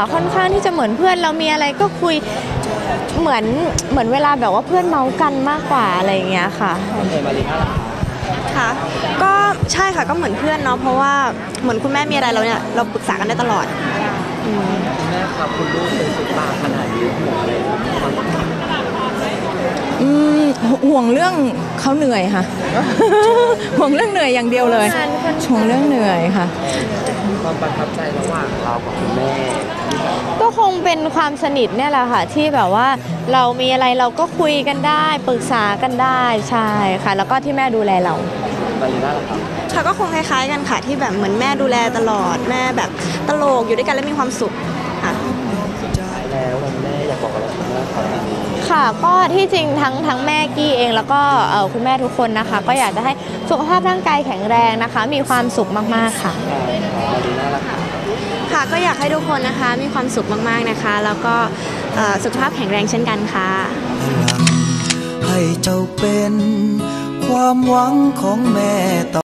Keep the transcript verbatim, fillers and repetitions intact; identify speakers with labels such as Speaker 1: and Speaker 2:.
Speaker 1: ค่อนข้างที่จะเหมือนเพื่อนเรามีอะไรก็คุยเหมือนเหมือนเวลาแบบว่าเพื่อนเมากันมากกว่าอะไรอย่างเงี้ยค่ะ
Speaker 2: ค่ะก็ใช่ค่ะก็เหมือนเพื่อนเนาะเพราะว่าเหมือนคุณแม่มีอะไรเราเนี่ยเราปรึกษากันได้ตลอด
Speaker 3: แม่ครับคุณลูกเป็นซุปตาขนาดนี้ห่วงอะไร
Speaker 4: อืมห่วงเรื่องเขาเหนื่อยค่ะ ห่วงเรื่องเหนื่อยอย่างเดียวเลยห่วงเรื่องเหนื่อยค่ะ
Speaker 3: ความประทับใจระหว่างเรากับคุณแม่
Speaker 1: ก็คงเป็นความสนิทเนี่ยแหละค่ะที่แบบว่าเรามีอะไรเราก็คุยกันได้ปรึกษากันได้ใช่ค่ะแล้วก็ที่แม่ดูแลเรา
Speaker 3: บาลีน่าล่ะครับ
Speaker 2: ค่ะก็คงคล้ายๆกันค่ะที่แบบเหมือนแม่ดูแลตลอดแม่แบบตลกอยู่ด้วยกันแล้วมีความสุขค่ะ
Speaker 3: สุดท้ายแล้ววันแม่อยากบอกอะไรคุณแม่ครับ
Speaker 1: ค่ะก็ที่จริงทั้งทั้งแม่กี้เองแล้วก็คุณแม่ทุกคนนะคะก็อยากจะให้สุขภาพร่างกายแข็งแรงนะคะมีความสุขมากๆค่ะ
Speaker 3: บาลีน่าล่ะครับ
Speaker 2: ค่ะก็อยากให้ทุกคนนะคะมีความสุขมากๆนะคะแล้วก็สุขภาพแข็งแรงเช่นกันค่ะ
Speaker 5: ให้เจ้าเป็นความหวังของแม่ต่อ